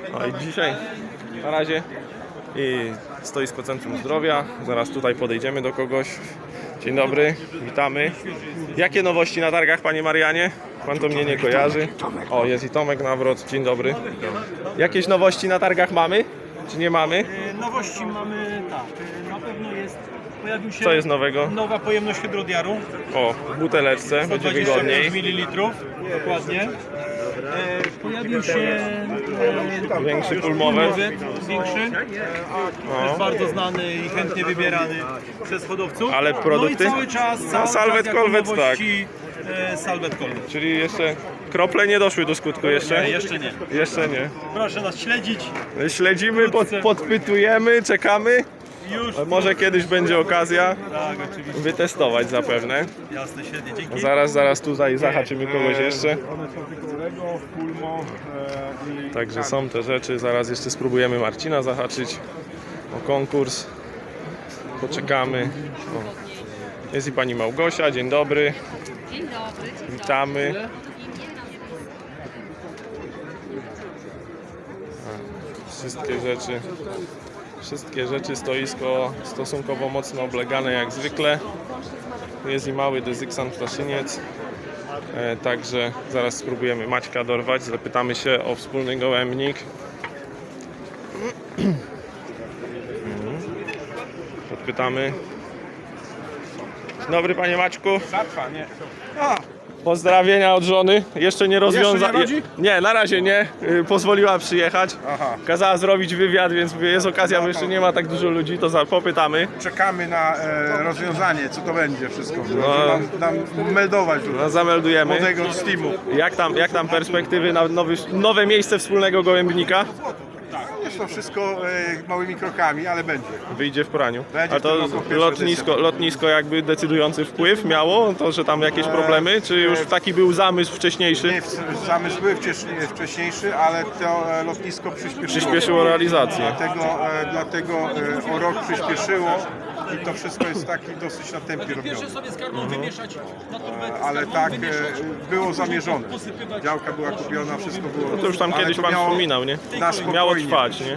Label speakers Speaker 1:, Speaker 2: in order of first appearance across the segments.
Speaker 1: No i dzisiaj na razie i stoisko Centrum Zdrowia. Zaraz tutaj podejdziemy do kogoś. Dzień dobry, witamy. Jakie nowości na targach, panie Marianie? Pan to mnie nie kojarzy. O, jest i Tomek Nawrot. Dzień dobry. Jakieś nowości na targach mamy? Czy nie mamy?
Speaker 2: Nowości mamy, tak, na pewno pojawił się
Speaker 1: Co jest nowego?
Speaker 2: nowa pojemność hydrodiaru,
Speaker 1: O, w buteleczce, będzie
Speaker 2: 125
Speaker 1: wygodniej.
Speaker 2: ml, dokładnie. Pojawił się
Speaker 1: Większy pulmowet.
Speaker 2: większy, jest bardzo znany i chętnie wybierany przez hodowców.
Speaker 1: Ale produkty?
Speaker 2: No i cały czas,
Speaker 1: Salvet
Speaker 2: jako
Speaker 1: Colvet,
Speaker 2: nowości, Salvet Colvet.
Speaker 1: Czyli jeszcze krople nie doszły do skutku jeszcze?
Speaker 2: Nie, jeszcze nie.
Speaker 1: Jeszcze nie.
Speaker 2: Proszę nas śledzić.
Speaker 1: Śledzimy, podpytujemy, czekamy.
Speaker 2: Już.
Speaker 1: Może kiedyś będzie okazja
Speaker 2: Tak, oczywiście.
Speaker 1: wytestować zapewne.
Speaker 2: Jasne, świetnie, dzięki.
Speaker 1: Zaraz tutaj zahaczymy kogoś jeszcze.
Speaker 3: One są tylko Lego, Pulmo i
Speaker 1: Także są te rzeczy. Zaraz jeszcze spróbujemy Marcina zahaczyć o konkurs. Poczekamy. O. Jest i pani Małgosia. Dzień dobry.
Speaker 4: Dzień dobry.
Speaker 1: Witamy. Wszystkie rzeczy, stoisko stosunkowo mocno oblegane jak zwykle. Tu jest i mały Dezyksan Ptaszyniec. Także zaraz spróbujemy Maćka dorwać, zapytamy się o wspólny gołębnik. Podpytamy. Dzień dobry, panie Maćku.
Speaker 3: Satwa, nie.
Speaker 1: Pozdrowienia od żony. Jeszcze nie rozwiąza...
Speaker 3: Jeszcze nie rodzi?
Speaker 1: Nie, na razie nie. Pozwoliła przyjechać.
Speaker 3: Aha.
Speaker 1: Kazała zrobić wywiad, więc mówię, jest okazja, bo jeszcze nie ma tak dużo ludzi, to popytamy.
Speaker 3: Czekamy na rozwiązanie, co to będzie wszystko.
Speaker 1: No.
Speaker 3: Nam meldować
Speaker 1: No, zameldujemy.
Speaker 3: młodego Steamu.
Speaker 1: Jak tam perspektywy na nowe miejsce wspólnego gołębnika?
Speaker 3: Jest to wszystko małymi krokami, ale będzie.
Speaker 1: Wyjdzie w praniu.
Speaker 3: Będzie
Speaker 1: A
Speaker 3: w tym
Speaker 1: to
Speaker 3: roku pierwsza
Speaker 1: lotnisko jakby decydujący wpływ miało? To, że tam jakieś problemy? Czy już taki był zamysł wcześniejszy?
Speaker 3: Nie, zamysł był wcześniejszy, ale to lotnisko
Speaker 1: Przyspieszyło realizację.
Speaker 3: Dlatego o rok przyspieszyło i to wszystko jest taki dosyć na tempie robione.
Speaker 2: sobie z karmą wymieszać na turbetę.
Speaker 3: Ale tak było zamierzone. Działka była kupiona, wszystko było.
Speaker 1: To już tam
Speaker 3: ale
Speaker 1: kiedyś
Speaker 3: to
Speaker 1: pan
Speaker 3: miało
Speaker 1: wspominał, nie?
Speaker 3: na spokojnie.
Speaker 1: Miało trwać, nie?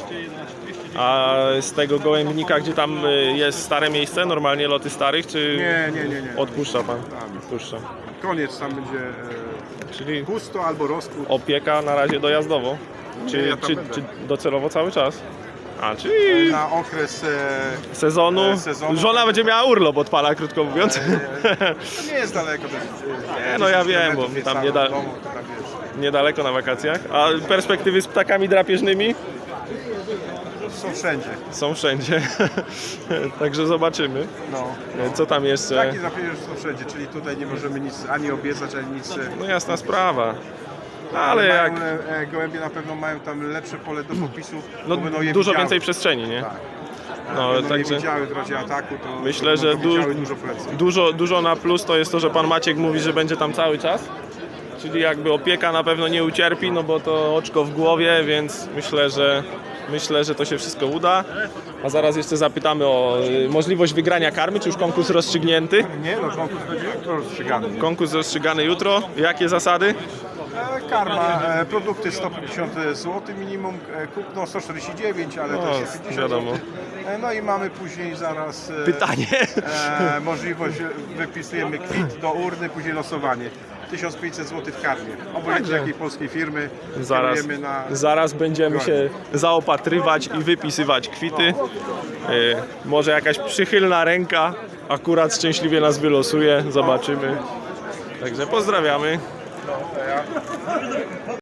Speaker 1: A z tego gołębnika, gdzie tam jest stare miejsce, normalnie loty starych, czy
Speaker 3: Nie.
Speaker 1: odpuszcza pan? Odpuszcza.
Speaker 3: Koniec, tam będzie
Speaker 1: Czyli
Speaker 3: pusto albo rozkłód.
Speaker 1: opieka na razie dojazdowo?
Speaker 3: Nie, ja tam będę.
Speaker 1: Czy docelowo cały czas? A, czyli
Speaker 3: Na okres
Speaker 1: sezonu.
Speaker 3: sezonu.
Speaker 1: Żona będzie miała urlop od pana, krótko mówiąc.
Speaker 3: to nie jest daleko. To jest,
Speaker 1: Nie, no ja
Speaker 3: 10
Speaker 1: wiem,
Speaker 3: kilometrów
Speaker 1: bo tam
Speaker 3: niecałe
Speaker 1: nie da-
Speaker 3: od domu, to tam wiesz.
Speaker 1: Niedaleko na wakacjach. A perspektywy z ptakami drapieżnymi
Speaker 3: Są wszędzie.
Speaker 1: są wszędzie. Także zobaczymy.
Speaker 3: No.
Speaker 1: Co tam jeszcze?
Speaker 3: Taki zapewne są wszędzie, czyli tutaj nie możemy nic ani obiecać, ani nic.
Speaker 1: No jasna sprawa. Ale jak
Speaker 3: Gołębie na pewno mają tam lepsze pole do popisów.
Speaker 1: no,
Speaker 3: bo będą je
Speaker 1: dużo
Speaker 3: widziały.
Speaker 1: więcej przestrzeni, nie?
Speaker 3: Tak.
Speaker 1: No,
Speaker 3: Będą
Speaker 1: także
Speaker 3: je widziały w razie ataku, to
Speaker 1: myślę, że
Speaker 3: będą to widziały dużo prędzej.
Speaker 1: dużo na plus to jest to, że pan Maciek mówi, że będzie tam cały czas. Czyli jakby opieka na pewno nie ucierpi, no bo to oczko w głowie, więc myślę, że to się wszystko uda. A zaraz jeszcze zapytamy o możliwość wygrania karmy, czy już konkurs rozstrzygnięty?
Speaker 3: Nie, no konkurs będzie jutro rozstrzygany.
Speaker 1: Konkurs rozstrzygany jutro. Jakie zasady?
Speaker 3: Karma, produkty 150 zł minimum, kupno 149, ale
Speaker 1: No,
Speaker 3: to jest 50
Speaker 1: wiadomo.
Speaker 3: zł. No i mamy później zaraz
Speaker 1: Pytanie.
Speaker 3: możliwość, wypisujemy kwit do urny, później losowanie. 1500 zł w karmie. Obojętnie
Speaker 1: Także
Speaker 3: jakiej polskiej firmy
Speaker 1: Zaraz,
Speaker 3: na...
Speaker 1: zaraz będziemy się zaopatrywać i wypisywać kwity. Może jakaś przychylna ręka akurat szczęśliwie nas wylosuje. Zobaczymy. Także pozdrawiamy.